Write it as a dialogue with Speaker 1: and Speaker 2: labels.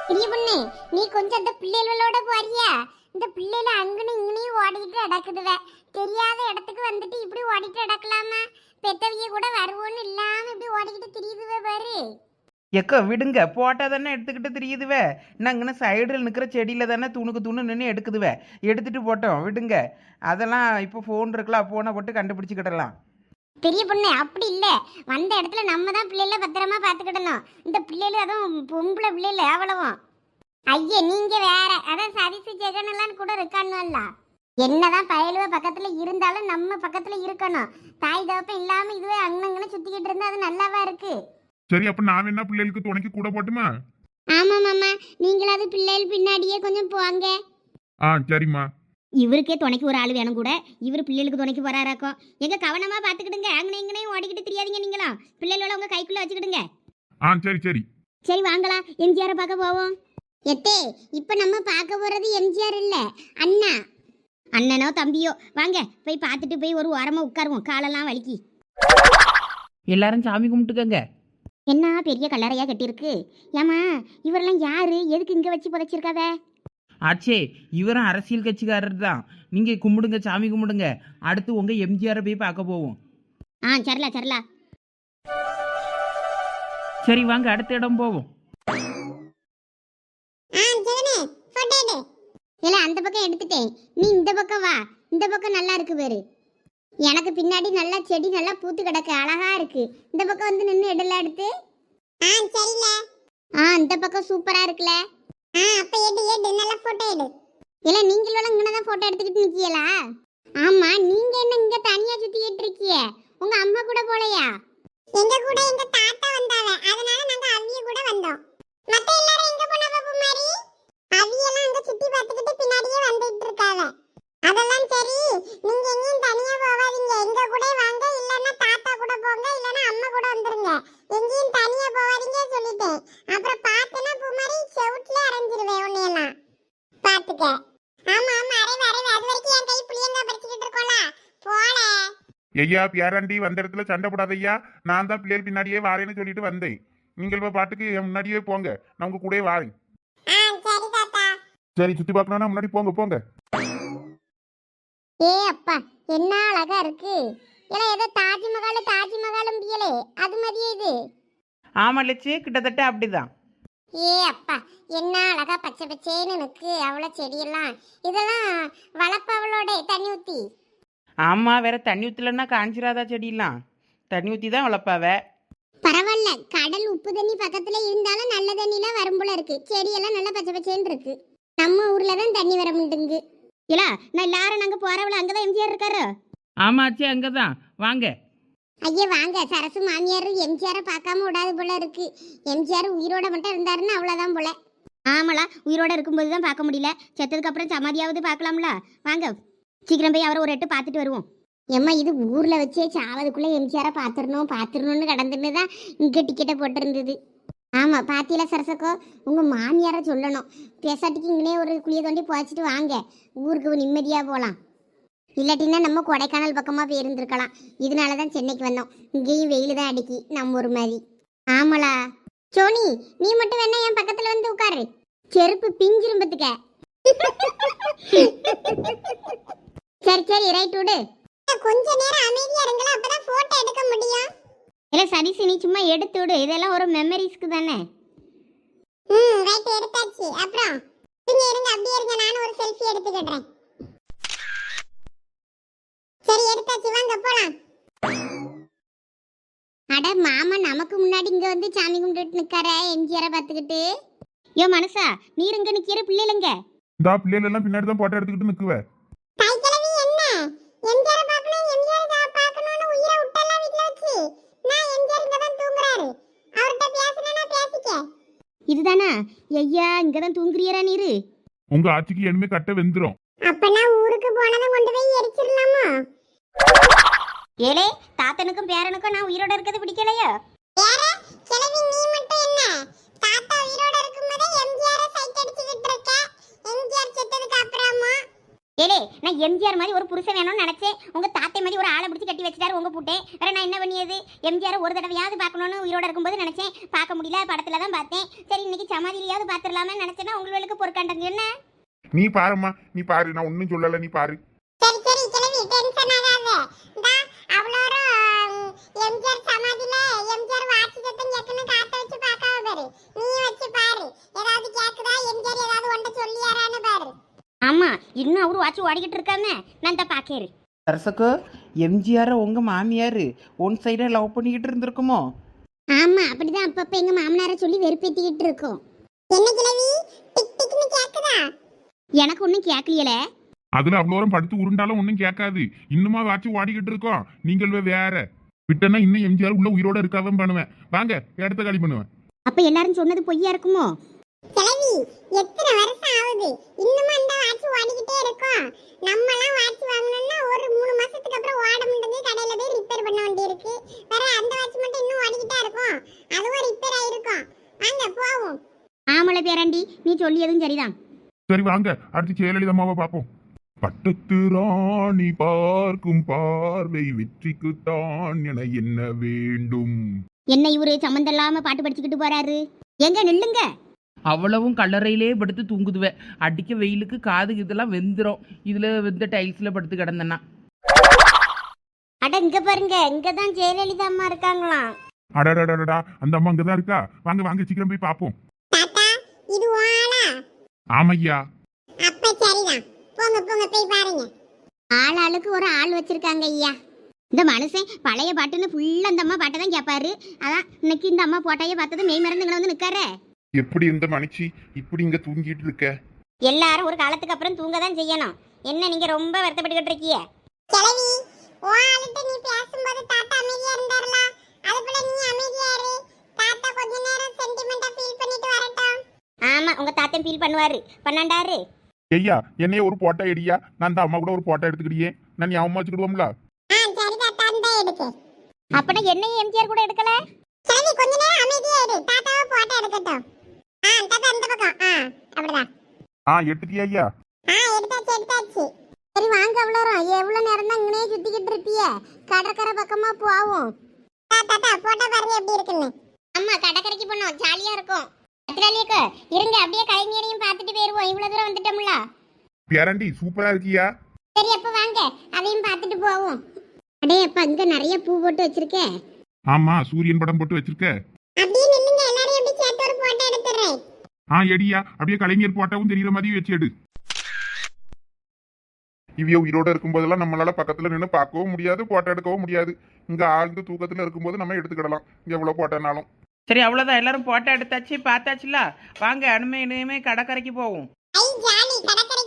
Speaker 1: பெரிய பொண்ணு, நீ கொஞ்சம் அந்த பிள்ளைகளோட போறியா? இந்த பிள்ளைல அங்கனும் இங்கனையும் ஓடிக்கிட்டு அடக்குதுவ. தெரியாத இடத்துக்கு வந்துட்டு இப்படி ஓடிட்டு அடக்கலாமா? பெத்தவிய கூட வருவோன்னு இல்லாம இப்படி ஓடிக்கிட்டு திரியுதுவ பாரு.
Speaker 2: எக்கோ விடுங்க, போட்டால் தானே எடுத்துக்கிட்டு தெரியுதுவே. நாங்கன்னு சைடில் நிற்கிற செடியில் தானே துணுக்கு துணு நின்று எடுக்குதுவே. எடுத்துகிட்டு போட்டோம், விடுங்க. அதெல்லாம் இப்போ ஃபோன் இருக்கலாம், ஃபோனை போட்டு கண்டுபிடிச்சிக்கிடலாம்.
Speaker 1: பெரிய பொண்ணு, அப்படி இல்ல. வந்த இடத்துல நம்ம தான் பிள்ளைல பத்திரமா பாத்துக்கிடணும். இந்த பிள்ளைல அதுவும் பொம்பளை பிள்ளைல அவ்வளவும். ஐயே, நீங்க வேற. அதான் சதிசு ஜெகன் எல்லாம் கூட இருக்கானுல்ல. என்னதான் பயலுவ பக்கத்துல இருந்தாலும் நம்ம பக்கத்துல இருக்கணும். தாய் தகப்பம் இல்லாம இதுவே அங்கன்னு சுத்திக்கிட்டு இருந்தா அது நல்லாவா இருக்கு?
Speaker 3: சரி, அப்ப நான் என்ன பிள்ளைகளுக்கு துணைக்கு கூட போட்டுமா?
Speaker 1: ஆமா மாமா, நீங்களாவது பிள்ளைகள் பின்னாடியே கொஞ்சம் போங்க.
Speaker 3: சரிம்மா.
Speaker 4: இவருக்கே துணைக்கு ஒரு ஆள் வேணும் கூட. இவர் பிள்ளைகளுக்கு துணைக்கு போறாராக்கும். எங்க கவனமா பாத்துக்கிடுங்க. அங்கனே இங்கனையும் ஓடிக்கிட்டு தெரியாதீங்க. நீங்களாம் பிள்ளைகளோட உங்க கைக்குள்ள வச்சுக்கிடுங்க.
Speaker 3: சரி சரி.
Speaker 4: சரி வாங்களா, எம்ஜிஆரை பார்க்க போவோம்.
Speaker 1: எத்தே, இப்ப நம்ம பார்க்க போறது எம்ஜிஆர் இல்ல, அண்ணா.
Speaker 4: அண்ணனோ தம்பியோ வாங்க போய் பார்த்துட்டு போய் ஒரு ஓரமா உட்காருவோம். காலெல்லாம் வலிக்கி.
Speaker 2: எல்லாரும் சாமி கும்பிட்டுக்கங்க.
Speaker 4: என்ன பெரிய கல்லறையா கட்டியிருக்கு. ஏமா இவரெல்லாம் யாரு? எதுக்கு இங்க வச்சு புதைச்சிருக்காவ?
Speaker 2: ஆச்சே, இவரும் அரசியல் கட்சிக்காரர் தான். நீங்கள் கும்பிடுங்க, சாமி கும்பிடுங்க. அடுத்து உங்கள் எம்ஜிஆரை போய் பார்க்க போவோம்.
Speaker 4: சரிலா சரிலா.
Speaker 2: சரி வாங்க, அடுத்த இடம் போவோம்.
Speaker 1: இல்ல, அந்த பக்கம் எடுத்துட்டேன். நீ இந்த பக்கம் வா. இந்த பக்கம் நல்லா இருக்கு பாரு. எனக்கு பின்னாடி நல்லா செடி நல்லா பூத்து கிடக்கு, அழகா இருக்கு. இந்த பக்கம் வந்து நின்று எடுல எடுத்து. சரில. இந்த பக்கம் சூப்பரா இருக்குல. அப்ப எடு நல்லா போட்டோ எடு. இல்ல, நீங்களும் இங்கனதான் போட்டோ எடுத்துக்கிட்டு நிக்கீங்களா? ஆமா, நீங்க என்ன இங்க தனியா சுத்திக்கிட்டு இருக்கீங்க? உங்க அம்மா கூட போலையா? எங்க கூட எங்க தாத்தா வந்தாவ, அதனால நாங்க அவிய கூட வந்தோம். மத்த எல்லாரும் எங்க போனவ பூமாரி? அவியெல்லாம் அங்க சுத்தி பார்த்துக்கிட்டு பின்னாடியே வந்துட்டு இருக்காவ. அதெல்லாம் சரி, நீங்க எங்கேயும் தனியா போவாதீங்க. எங்க கூட வாங்க, இல்லன்னா தாத்தா கூட போங்க, இல்லன்னா அம்மா கூட வந்துருங்க. எங்கேயும் தனியா போவாதீங்க சொல்லிட்டேன். அப்புறம் பார்த்தனா பூமாரி செவுட்ல அரைஞ்சிருவேன் உன்னையெல்லாம். பாத்துக்க. ஆமா ஆமா, அரைவே. அது வரைக்கும் என் கை புளியங்க பறிச்சுக்கிட்டு இருக்கோல. போல.
Speaker 3: ஐயா பேராண்டி வந்த இடத்துல சண்டை போடாத ஐயா. நான் தான் பிள்ளைகள் பின்னாடியே வாரேன்னு சொல்லிட்டு வந்தேன். நீங்கள் பாட்டுக்கு என் முன்னாடியே போங்க, நான் உங்க கூடயே வாரேன்.
Speaker 1: சரி தாத்தா.
Speaker 3: சரி, சுத்தி பார்க்கணும்னா முன்னாடி போங்க போங்க.
Speaker 1: ஏ அப்பா, என்ன அழகா இருக்கு. இல்ல ஏதோ தாஜ்மஹாலும் பியலே அது மாதிரியே இது.
Speaker 2: ஆமாம் லட்சு, கிட்டத்தட்ட அப்படிதான்.
Speaker 1: ஏ அப்பா, என்ன அழகா பச்சை பச்சேன்னு இருக்கு. அவ்வளோ செடியெல்லாம் இதெல்லாம் வளர்ப்பவளோட தண்ணி ஊத்தி.
Speaker 2: ஆமாம், வேற தண்ணி ஊற்றலன்னா காஞ்சிராதா செடியெல்லாம். தண்ணி ஊற்றி தான் வளர்ப்பாவ.
Speaker 1: பரவாயில்ல, கடல் உப்பு தண்ணி பக்கத்துல இருந்தாலும் நல்ல தண்ணிலாம் வரும் போல இருக்கு. செடியெல்லாம் நல்லா பச்சை பச்சேன்னு இருக்கு. நம்ம ஊர்ல தான் தண்ணி வர மாட்டேங்குது.
Speaker 4: இல்ல நான் எல்லாரும் நாங்க போறவள அங்கதான் எம்ஜிஆர் இருக்காரு.
Speaker 2: ஆமாச்சே, அங்கே தான் வாங்க.
Speaker 1: ஐயா வாங்க. சரசு மாமியார் எம்ஜிஆரை பார்க்காம விடாது போல இருக்கு. எம்ஜிஆர் உயிரோட மட்டும் இருந்தாருன்னு அவ்வளோதான் போல.
Speaker 4: ஆமாலா, உயிரோட இருக்கும்போது தான் பார்க்க முடியல. செத்ததுக்கு அப்புறம் சமாதியாவது பார்க்கலாம்ல. வாங்க சீக்கிரம் போய் அவரை ஒரு எட்டு பார்த்துட்டு வருவோம்.
Speaker 1: ஏம்மா, இது ஊர்ல வச்சே சாவதுக்குள்ள எம்ஜிஆரை பார்த்துடணும்னு கடந்துன்னு தான் இங்க டிக்கெட்டை போட்டிருந்தது. ஆமா, பாத்தியில சரசக்கோ, உங்க மாமியார சொல்லணும். பேசாட்டிக்கு இங்கனே ஒரு குழிய தோண்டி புதைச்சிட்டு வாங்க, ஊருக்கு நிம்மதியா போகலாம். இல்லாட்டின்னா நம்ம கொடைக்கானல் பக்கமா போயிருந்துருக்கலாம். இதனாலதான் சென்னைக்கு வந்தோம். இங்கேயும் வெயில் தான் அடிக்கி நம்ம ஒரு மாதிரி. ஆமாளா சோனி, நீ மட்டும் வேணா என் பக்கத்துல வந்து உட்காரு. செருப்பு பிஞ்சிரும்பத்துக்க. சரி ரைட் விடு. கொஞ்ச நேரம் அமைதியா இருங்களா, அப்பதான் போட்டோ எடுக்க முடியும்.
Speaker 4: இல்ல சதீஷ், நீ சும்மா எடுத்து விடு. இதெல்லாம் ஒரு மெமரிஸ்க்கு தானே.
Speaker 1: ரைட், எடுத்தாச்சு. அப்புறம் இருங்க அப்படியே இருங்க, நானும் ஒரு செல்ஃபி எடுத்துக்கிடுறேன். சரி, எடுத்தாச்சு, வாங்க போலாம். அட மாமா, நமக்கு முன்னாடி இங்க வந்து சாமி கும்பிட்டு நிக்கார எம்ஜிஆரை பார்த்துக்கிட்டு.
Speaker 4: யோ மனசா, நீர் இங்க நிக்கிற பிள்ளைலங்க.
Speaker 3: இந்த பிள்ளைகள் எல்லாம் பின்னாடி தான் போட்டோ எடுத்துக்கிட்டு நிக்குவே.
Speaker 1: தைக்கிழவி என்ன எம்ஜிஆரை பார்க்கணும், எம்ஜிஆரை பார்க்கணும்னு உயிரை விட்டெல்லாம் வீட்ல வச்சு. நான் எம்ஜிஆர் இங்க தான் தூங்குறாரு. அவர்கிட்ட பேசணும்னா பேசிக்க.
Speaker 4: இதுதானா? ஐயா, இங்கதான் தூங்குறியரா நீரு?
Speaker 3: உங்க ஆட்சிக்கு இனிமே கட்ட வெந்துரும்.
Speaker 1: அப்பனா ஊருக்கு போனதும் கொண்டு போய் எரிச்சிடலாமா?
Speaker 4: ஏலே, தாத்தனுக்கும் பேரனுக்கும் நான் உயிரோட இருக்கிறது பிடிக்கலையோ?
Speaker 1: வேற கிழவி, நீ மட்டும் என்ன தாத்தா உயிரோட இருக்கும்போதே எம்ஜிஆரை சைட் அடிச்சுக்கிட்டு இருக்க. எம்ஜிஆர் செத்ததுக்கு அப்புறமா
Speaker 4: ஏலே, நான் நான் எம்ஜிஆர் மாதிரி ஒரு புருஷன் வேணும்னு நினைச்சேன். உங்க தாத்தை மாதிரி ஒரு ஆளை பிடிச்சி கட்டி வச்சிட்டாரு உங்க பூட்டே. வேற நான் என்ன பண்ணியது? எம்ஜிஆர் ஒரு தடவையாவது பார்க்கணும்னு உயிரோட இருக்கும்போது நினைச்சேன். பார்க்க முடியல, படத்துல தான் பார்த்தேன். சரி இன்னைக்கு சமாதியிலையாவது பார்த்துடலாமே நினைச்சேன்னா உங்களுக்கு பொறுக்காண்டது என்ன?
Speaker 3: நீ பாரும்மா, நீ பாரு, நான் ஒன்னும் சொல்லல, நீ பாரு.
Speaker 1: சரி சரி கிளவி டென்ஷன் ஆகாத. இந்தா அவ்வளோரும் எம்ஜிஆர் சமாதியில எம்ஜிஆர் வாட்சி சத்தம் கேட்கணும் காத்த வச்சு பார்க்காம பாரு. நீ வச்சு பாரு, ஏதாவது கேக்குதா, எம்ஜிஆர் ஏதாவது ஒன்றை சொல்லியாரான்னு பாரு.
Speaker 4: ஆமா, இன்னும் அவரு வாட்சி ஓடிக்கிட்டு இருக்காம நான் தான் பாக்கேரு.
Speaker 2: சரசக்கோ, எம்ஜிஆரை உங்கள் மாமியார் ஒன் சைடாக லவ் பண்ணிக்கிட்டு இருந்திருக்குமோ?
Speaker 1: ஆமா அப்படிதான் அப்பப்ப எங்க மாமனாரை சொல்லி வெறுப்பேத்திக்கிட்டு இருக்கோம். என்ன கிளவி டிக் டிக்னு கேக்குதா?
Speaker 4: எனக்கு ஒன்றும் கேட்கலையில.
Speaker 3: அதுல அவ்வளோரம் படுத்து உருண்டாலும் ஒன்னும் கேட்காது. இன்னுமா வாட்சி ஓடிக்கிட்டு இருக்கோம். நீங்கள் வேற விட்டனா இன்னும் எம்ஜிஆர் உள்ள உயிரோட இருக்காதான் பண்ணுவேன். வாங்க, இடத்த காலி பண்ணுவேன்.
Speaker 4: அப்ப எல்லாரும் சொன்னது பொய்யா இருக்குமோ?
Speaker 1: கிளவி எத்தனை வருஷம் ஆகுது இன்னுமா இந்த வாட்சி ஓடிக்கிட்டே இருக்கோம். நம்மலாம் வாட்சி வாங்கணும்னா ஒரு 3 மாசத்துக்கு அப்புறம் ஓட முடியாது, கடையில போய் ரிப்பேர் பண்ண வேண்டி இருக்கு. வேற அந்த வாட்சி மட்டும் இன்னும் ஓடிக்கிட்டே இருக்கும், அதுவும் ரிப்பேர் ஆயிருக்கும். வாங்க போவோம்.
Speaker 4: ஆமலை பேராண்டி, நீ சொல்லியதும் சரிதான்.
Speaker 3: சரி வாங்க, அடுத்து ஜெயலலிதாமாவை பார்ப்போம். பட்டத்து ராணி பார்க்கும் பார்வை வெற்றிக்குத்தான் என என்ன வேண்டும்.
Speaker 4: என்ன இவரு சம்மந்தம் இல்லாம பாட்டு படிச்சுக்கிட்டு போறாரு? எங்க நில்லுங்க.
Speaker 2: அவ்வளவும் கல்லறையிலே படுத்து தூங்குதுவேன். அடிக்க வெயிலுக்கு காது இதெல்லாம் வெந்துடும். இதில் வெந்த டைல்ஸில் படுத்து கிடந்தேன்னா.
Speaker 4: அட இங்க பாருங்க, இங்கதான் ஜெயலலிதா அம்மா இருக்காங்களாம்.
Speaker 3: அடடடடா, அந்த அம்மா அங்கதான் இருக்கா. வாங்க வாங்க, சீக்கிரம் போய் பார்ப்போம்.
Speaker 1: தாத்தா இது வாளா?
Speaker 3: ஆமையா,
Speaker 1: அப்ப சரிதான், போங்க போங்க போய் பாருங்க.
Speaker 4: ஆளுக்கு ஒரு ஆள் வச்சிருக்காங்க ஐயா. இந்த மனுஷன் பழைய பாட்டுன்னு ஃபுல்லா அந்த அம்மா பாட்டை தான் கேட்பாரு. அதான் இன்னைக்கு இந்த அம்மா போட்டாயே பார்த்தது மெய் மறந்துங்களை வந்து நிக்காரு.
Speaker 3: எப்படி இந்த மனுச்சி இப்படி இங்க தூங்கிட்டு இருக்க?
Speaker 4: எல்லாரும் ஒரு காலத்துக்கு அப்புறம் தூங்க தான் செய்யணும். என்ன நீங்க ரொம்ப வருத்தப்பட்டுக்கிட்டு இருக்கீங்க?
Speaker 1: கிளவி வாளுட்ட நீ பேசும்போது தாத்தா அமைதியா இருந்தாருல, அது போல நீ அமைதியா இரு. தாத்தா கொஞ்ச நேரம் சென்டிமெண்டா ஃபீல் பண்ணிட்டு வரட்டும்.
Speaker 4: ஆமா, உங்க தாத்தன் ஃபீல் பண்ணுவாரு, பண்ணாண்டாரு.
Speaker 3: ஐயா, என்னைய ஒரு போட்டோ எடியா. நான் அந்த அம்மா கூட ஒரு போட்டோ எடுத்துக்கிட்டியே. நான் ஞாபகமா வச்சுக்கிடுவோம்ல.
Speaker 1: சரி தாத்தா அந்த எடுக்கு.
Speaker 4: அப்பனா என்னையும் எம்ஜிஆர் கூட எடுக்கல?
Speaker 1: கிளவி கொஞ்ச நேரம் அமைதியா இரு, தாத்தாவை போட்டோ எடுக்கட்டும். தாத்தா அந்த பக்கம். அப்படிதான்.
Speaker 3: எடுத்துட்டியா ஐயா?
Speaker 1: எடுத்தாச்சு. சரி வாங்க அவ்வளோரும். எவ்வளவு நேரம் தான் இங்கனே சுத்திக்கிட்டு இருப்பிய? கடற்கரை பக்கமா போவோம். தாத்தா போட்டோ பாருங்க எப்படி இருக்குன்னு.
Speaker 4: அம்மா கடற்கரைக்கு போனோம், ஜாலியா இருக்கும். அத்திராலியக்கா இருங்க, அப்படியே கலைஞரையும் பார்த்துட்டு போயிருவோம். இவ்வளவு தூரம் வந்துட்டோம்ல.
Speaker 3: பேரண்டி சூப்பரா இருக்கியா?
Speaker 1: சரி அப்ப வாங்க அதையும் பார்த்துட்டு போவோம். அடே அப்பா இங்க நிறைய பூ போட்டு வச்சிருக்கே.
Speaker 3: ஆமா, சூரியன் படம் போட்டு வச்சிருக்க.
Speaker 1: அப்படியே நில்லுங்க, எல்லாரையும் அப்படியே சேர்த்து ஒரு போட்டோ எடுத்துறேன்.
Speaker 3: எடியா, அப்படியே கலைஞர் போட்டாவும் தெரியற மாதிரி வச்சு எடு. இவ்வியோ உயிரோட இருக்கும் போதெல்லாம் நம்மளால பக்கத்துல நின்று பார்க்கவும் முடியாது, போட்டோ எடுக்கவும் முடியாது. இங்க ஆழ்ந்து தூக்கத்துல இருக்கும்போது நம்ம எடுத்துக்கிடலாம் எவ்வளவு போட்டோனாலும்.
Speaker 2: சரி, அவ்வளோதான். எல்லாரும் போட்டோ எடுத்தாச்சு, பார்த்தாச்சுல. வாங்க, இனிமே கடற்கரைக்கு போவோம்.
Speaker 1: ஐ ஜாலி, கடற்கரை